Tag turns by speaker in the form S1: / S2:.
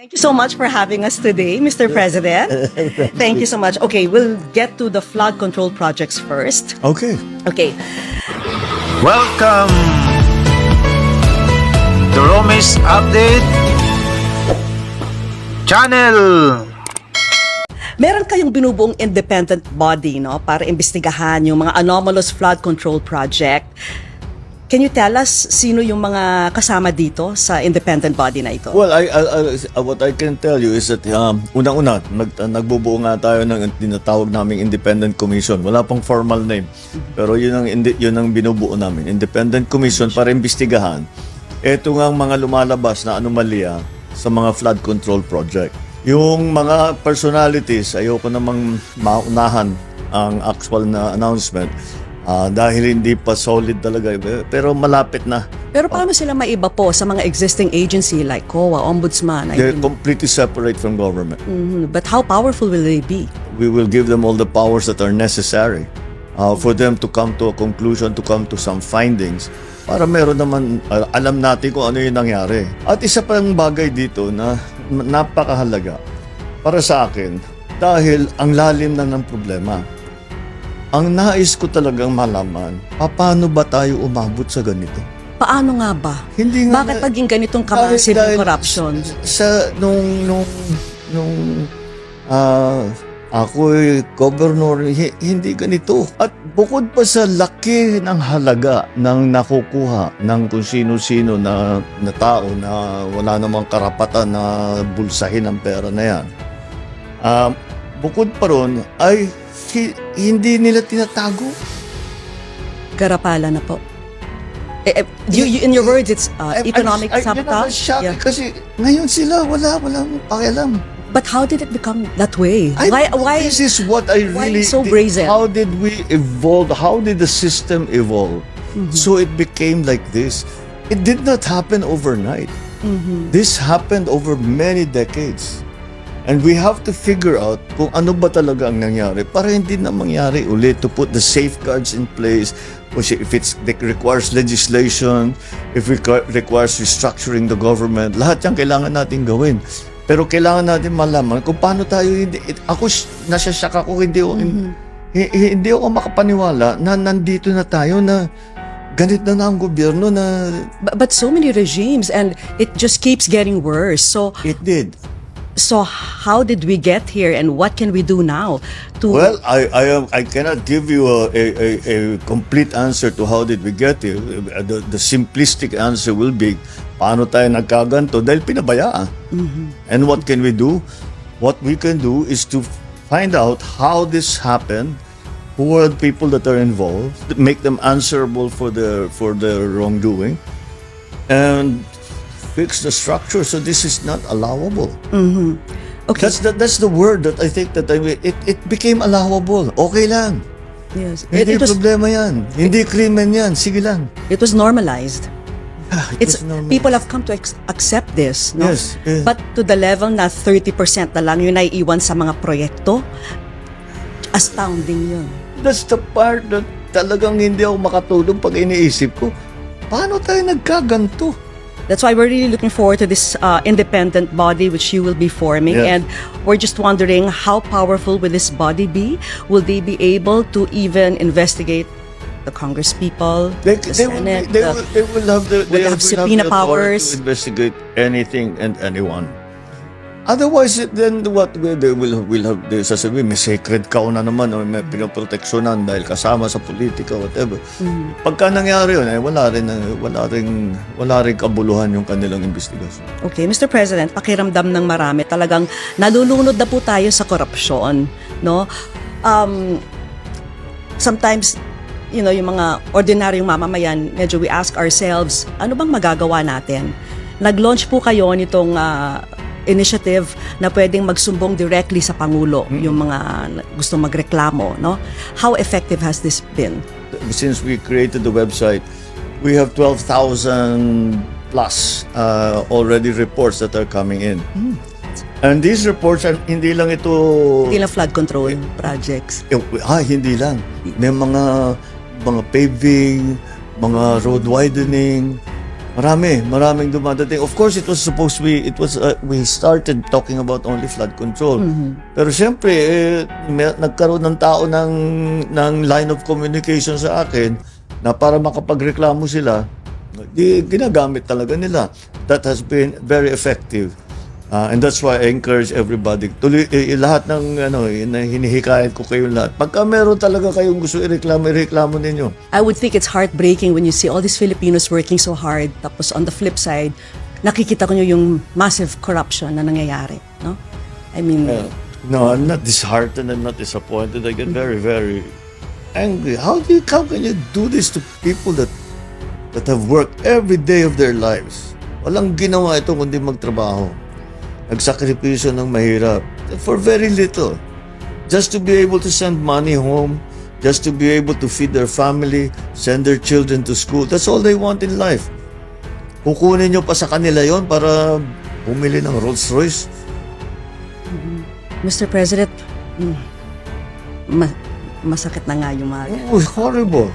S1: Thank you so much for having us today, Mr. President. Thank you so much. Okay, we'll get to the flood control projects first.
S2: Okay.
S1: Okay.
S3: Welcome to Romis Update Channel.
S1: Meron kayong binubuong independent body, no, para imbestigahan yung mga anomalous flood control project. Can you tell us sino yung mga kasama dito sa independent body na ito?
S2: Well, what I can tell you is that unang-una, nagbubuo nga tayo ng tinatawag naming Independent Commission. Wala pang formal name. Pero yun ang binubuo namin. Independent Commission para imbestigahan ito nga mga lumalabas na anomalya sa mga flood control project. Yung mga personalities, ayoko namang maunahan ang actual na announcement. Dahil hindi pa solid talaga, pero malapit na.
S1: Pero paano sila maiba po sa mga existing agency like COA, Ombudsman?
S2: They're completely separate from government.
S1: But how powerful will they be?
S2: We will give them all the powers that are necessary for them to come to a conclusion, to come to some findings, para meron naman, alam natin kung ano yung nangyari. At isa pang bagay dito na napakahalaga para sa akin, dahil ang lalim na ng problema. Ang nais ko talagang malaman, paano ba tayo umabot sa ganito?
S1: Paano nga ba?
S2: Hindi nga
S1: Bakit maging ganitong kamassive corruption?
S2: Nung ako'y governor, hindi ganito. At bukod pa sa laki ng halaga ng nakukuha ng kung sino-sino na tao na wala namang karapatan na bulsahin ang pera na yan, bukod pa ron ay hindi nila tinatago.
S1: Garapala na po. In your words, it's economic sabotage.
S2: Yeah. Kasi ngayon sila, wala mong pakialam.
S1: But how did it become that way? Why?
S2: This is what I
S1: why
S2: really...
S1: so brazen?
S2: How did we evolve? How did the system evolve? So it became like this. It did not happen overnight. This happened over many decades. And we have to figure out kung ano ba talaga ang nangyari para hindi na mangyari ulit, to put the safeguards in place. If it requires legislation, if it requires restructuring the government, lahat yan kailangan natin gawin. Pero kailangan natin malaman kung paano tayo ako nasasyak ako, hindi ako makapaniwala na nandito na tayo na ganit na ang gobyerno na...
S1: But so many regimes and it just keeps getting worse. So
S2: It did.
S1: So how did we get here, and what can we do now to?
S2: Well, I cannot give you a complete answer to how did we get here. The simplistic answer will be, paano tayo nagkaganto? Dahil pinabayaan. And what can we do? What we can do is to find out how this happened, who are the people that are involved, make them answerable for their wrongdoing, and fix the structure so this is not allowable.
S1: Okay.
S2: That's the word that I think that it became allowable. Okay lang.
S1: Yes.
S2: Hindi problema yan. Hindi krimen yan. Sige lang.
S1: It was normalized.
S2: It was normal.
S1: People have come to accept this, no?
S2: Yes, yes.
S1: But to the level na 30% na lang yung naiiwan sa mga proyekto, astounding yun.
S2: That's the part that talagang hindi ako makatulog pag iniisip ko. Paano tayo nagkaganto?
S1: That's why we're really looking forward to this independent body which you will be forming.
S2: Yes.
S1: And we're just wondering, how powerful will this body be? Will they be able to even investigate the congresspeople, the Senate?
S2: They will have
S1: subpoena
S2: the authority
S1: powers
S2: to investigate anything and anyone. Otherwise, then what they will have, they sasabihin, may sacred cow na naman o may pinoproteksyonan dahil kasama sa politika, whatever. Pagka nangyari yun, wala rin kabuluhan yung kanilang investigasyon.
S1: Okay, Mr. President, pakiramdam ng marami, talagang nalulunod na po tayo sa korupsyon, no? Sometimes, yung mga ordinaryong mamamayan, medyo we ask ourselves, ano bang magagawa natin? Nag-launch po kayo nitong initiative na pwedeng magsumbong directly sa Pangulo, yung mga gustong magreklamo, no? How effective has this been?
S2: Since we created the website, we have 12,000 plus already reports that are coming in. And these reports are hindi lang
S1: flood control projects.
S2: Hindi lang. May mga paving, mga road widening, Maraming dumadating. Of course, it was supposed to be, we started talking about only flood control. Pero syempre, nagkaroon ng tao ng line of communication sa akin na para makapagreklamo sila, ginagamit talaga nila. That has been very effective. And that's why I encourage everybody. Tuloy, lahat ng hinihikayat ko kayong lahat. Pagka meron talaga kayong gusto ireklamo ninyo.
S1: I would think it's heartbreaking when you see all these Filipinos working so hard, tapos on the flip side, nakikita ko nyo yung massive corruption na nangyayari, no? I mean,
S2: No, I'm not disheartened. I'm not disappointed. I get very, very angry. How can you do this to people that have worked every day of their lives? Walang ginawa ito kundi magtrabaho. Nagsakripisyo ng mahirap for very little. Just to be able to send money home, just to be able to feed their family, send their children to school. That's all they want in life. Kukunin nyo pa sa kanila yon para bumili ng Rolls Royce.
S1: Mr. President, masakit na nga yung mga...
S2: Oh, horrible.